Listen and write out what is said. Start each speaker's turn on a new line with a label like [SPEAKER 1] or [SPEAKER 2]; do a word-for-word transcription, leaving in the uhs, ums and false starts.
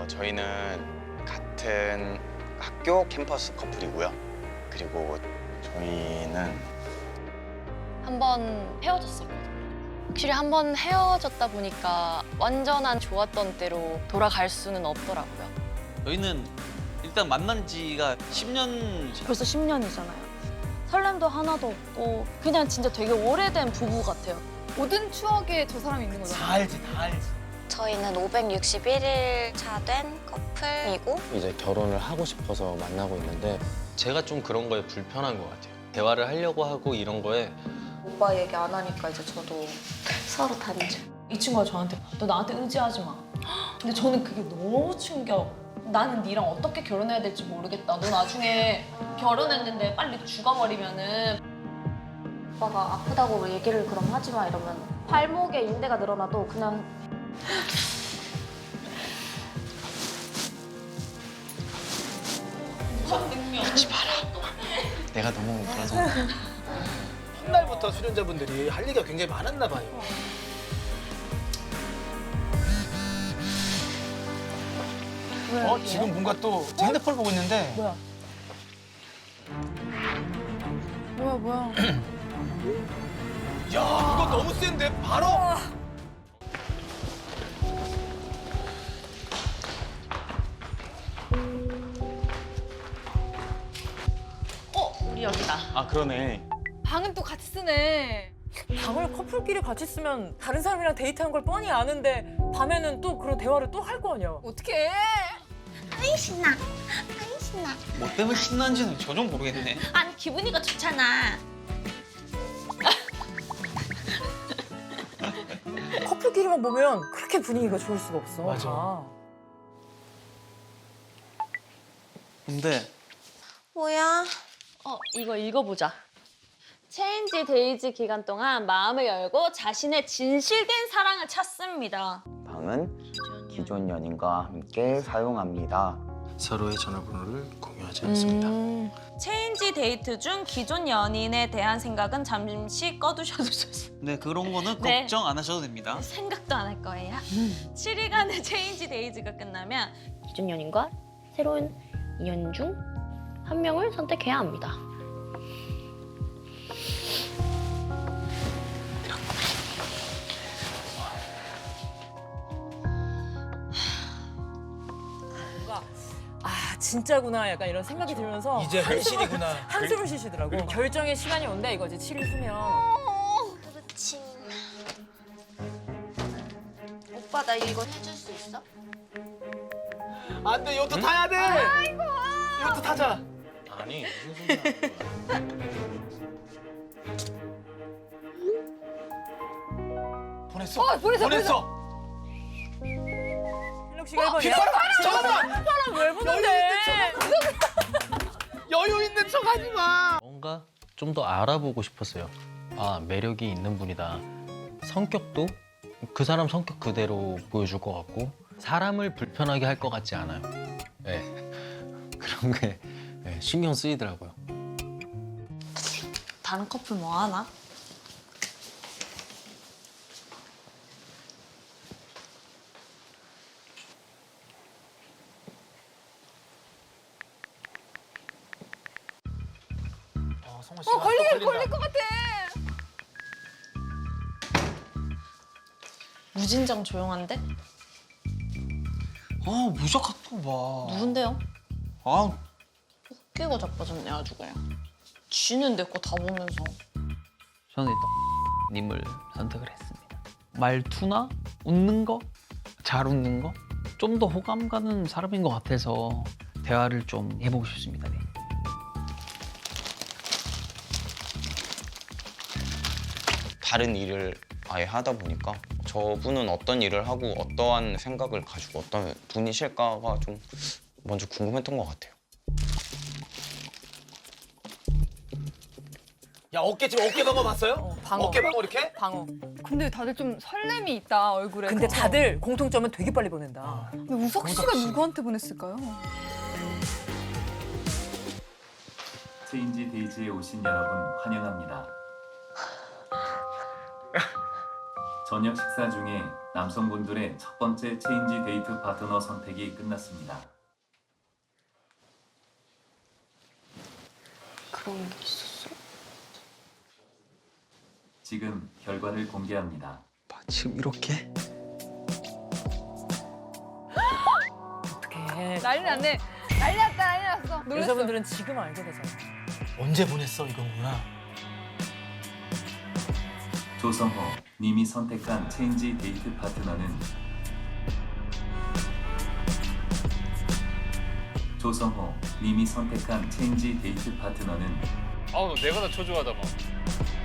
[SPEAKER 1] 어, 저희는 같은 학교 캠퍼스 커플이고요. 그리고 저희는
[SPEAKER 2] 한 번 헤어졌었거든요. 확실히 한 번 헤어졌다 보니까 완전한 좋았던 때로 돌아갈 수는 없더라고요.
[SPEAKER 3] 저희는 일단 만난 지가 십 년.
[SPEAKER 2] 벌써 십 년이잖아요. 설렘도 하나도 없고 그냥 진짜 되게 오래된 부부 같아요.
[SPEAKER 4] 모든 추억에 저 사람이 있는 거잖아요.
[SPEAKER 5] 다 알지, 다 알지.
[SPEAKER 6] 저희는 오백육십일 일 차 된 커플이고
[SPEAKER 7] 이제 결혼을 하고 싶어서 만나고 있는데 제가 좀 그런 거에 불편한 것 같아요. 대화를 하려고 하고 이런 거에
[SPEAKER 6] 오빠 얘기 안 하니까 이제 저도 서로 단절.
[SPEAKER 8] 이 친구가 저한테 너 나한테 의지하지 마. 근데 저는 그게 너무 충격. 나는 니랑 어떻게 결혼해야 될지 모르겠다. 너 나중에 결혼했는데 빨리 죽어버리면은
[SPEAKER 6] 오빠가 아프다고 얘기를 그럼 하지 마 이러면 발목에 인대가 늘어나도 그냥
[SPEAKER 3] 하지 마라. 내가 너무 그래서
[SPEAKER 5] 첫날부터 수련자분들이 할 얘기가 굉장히 많았나 봐요. 어, 지금 뭔가 또 핸드폰 보고 있는데.
[SPEAKER 8] 뭐야?
[SPEAKER 4] 뭐야 뭐야.
[SPEAKER 5] 야, 이거 너무 센데? 바로?
[SPEAKER 2] 우리 여기다.
[SPEAKER 1] 아 그러네.
[SPEAKER 4] 방은 또 같이 쓰네.
[SPEAKER 9] 방을 커플끼리 같이 쓰면 다른 사람이랑 데이트한 걸 뻔히 아는데 밤에는 또 그런 대화를 또 할 거 아니야.
[SPEAKER 4] 어떡해.
[SPEAKER 6] 아이 신나. 아이 신나.
[SPEAKER 3] 뭐 때문에 신난지는 전혀 모르겠네.
[SPEAKER 6] 아니 기분이가 좋잖아.
[SPEAKER 9] 커플끼리만 보면 그렇게 분위기가 좋을 수가 없어.
[SPEAKER 5] 맞아.
[SPEAKER 9] 다.
[SPEAKER 3] 근데
[SPEAKER 6] 뭐야?
[SPEAKER 2] 어, 이거 읽어보자. 체인지 데이즈 기간 동안 마음을 열고 자신의 진실된 사랑을 찾습니다.
[SPEAKER 1] 방은 기존 연인과 함께 사용합니다.
[SPEAKER 7] 서로의 전화번호를 공유하지 않습니다.
[SPEAKER 2] 음.
[SPEAKER 8] 체인지 데이트 중 기존 연인에 대한 생각은 잠시 꺼두셔도 좋습니다.
[SPEAKER 3] 네 그런 거는
[SPEAKER 8] 네.
[SPEAKER 3] 걱정 안 하셔도 됩니다.
[SPEAKER 8] 생각도 안 할 거예요. 칠 일간의 체인지 데이즈가 끝나면
[SPEAKER 2] 기존 연인과 새로운 인연 중 한 명을 선택해야 합니다.
[SPEAKER 9] 뭔가 아 진짜구나 약간 이런 생각이 들면서
[SPEAKER 5] 이제 현실이구나.
[SPEAKER 9] 한숨을 쉬시더라고. 결정의 시간이 온다 이거지. 칠 일 후면.
[SPEAKER 6] 그렇지. 오빠 나 이거 해줄 수 있어?
[SPEAKER 5] 안 돼, 요트 타야 돼! 아이고! 요트 타자.
[SPEAKER 7] 아니 무슨 소리야.
[SPEAKER 5] 보냈어.
[SPEAKER 4] 어, 보냈어,
[SPEAKER 5] 보냈어.
[SPEAKER 9] 현욱 씨가 일 번이야?
[SPEAKER 5] 잠깐만!
[SPEAKER 9] 왜 보는데?
[SPEAKER 5] 여유 있는 척 하지 마.
[SPEAKER 7] 뭔가 좀 더 알아보고 싶었어요. 아 매력이 있는 분이다. 성격도 그 사람 성격 그대로 보여줄 것 같고 사람을 불편하게 할 것 같지 않아요. 네. 그런 게 네, 신경 쓰이더라고요.
[SPEAKER 8] 단 커플 뭐 하나?
[SPEAKER 5] 어, 성화 씨가
[SPEAKER 4] 어 걸릴
[SPEAKER 5] 또 걸린다.
[SPEAKER 4] 걸릴 것 같아.
[SPEAKER 8] 무진장 조용한데?
[SPEAKER 3] 아 무적 갖고 봐.
[SPEAKER 8] 누군데요?
[SPEAKER 3] 아
[SPEAKER 8] 웃기고 자빠졌네 아주 그냥. 쥐는 내 거 다 보면서.
[SPEAKER 3] 저는 일단 님을 선택을 했습니다. 말투나 웃는 거, 잘 웃는 거, 좀 더 호감 가는 사람인 것 같아서 대화를 좀 해보고 싶습니다. 네.
[SPEAKER 1] 다른 일을 아예 하다 보니까 저분은 어떤 일을 하고 어떠한 생각을 가지고 어떤 분이실까가 좀 먼저 궁금했던 것 같아요.
[SPEAKER 5] 야, 어깨 지금 어깨 방어 봤어요?
[SPEAKER 9] 어, 방어.
[SPEAKER 5] 어깨 방어 이렇게?
[SPEAKER 9] 방어.
[SPEAKER 4] 근데 다들 좀 설렘이 있다 얼굴에.
[SPEAKER 9] 근데 다들 공통점은 되게 빨리 보낸다.
[SPEAKER 4] 근데 우석 씨가
[SPEAKER 5] 우석 씨.
[SPEAKER 4] 누구한테 보냈을까요?
[SPEAKER 10] 체인지 데이즈에 오신 여러분 환영합니다. 저녁 식사 중에 남성분들의 첫 번째 체인지 데이트 파트너 선택이 끝났습니다.
[SPEAKER 2] 그런 게 있었어?
[SPEAKER 10] 지금 결과를 공개합니다.
[SPEAKER 5] 지금 이렇게?
[SPEAKER 9] 어떡해.
[SPEAKER 4] 난리 났네. 난리 났다, 난리 났어. 놀랐어.
[SPEAKER 9] 여자분들은 지금 알게 되잖아.
[SPEAKER 5] 언제 보냈어 이거구나.
[SPEAKER 10] 조성호 님이 선택한 체인지 데이트 파트너는 조성호 님이 선택한 체인지 데이트 파트너는
[SPEAKER 11] 아우 내가 다 초조하다 막.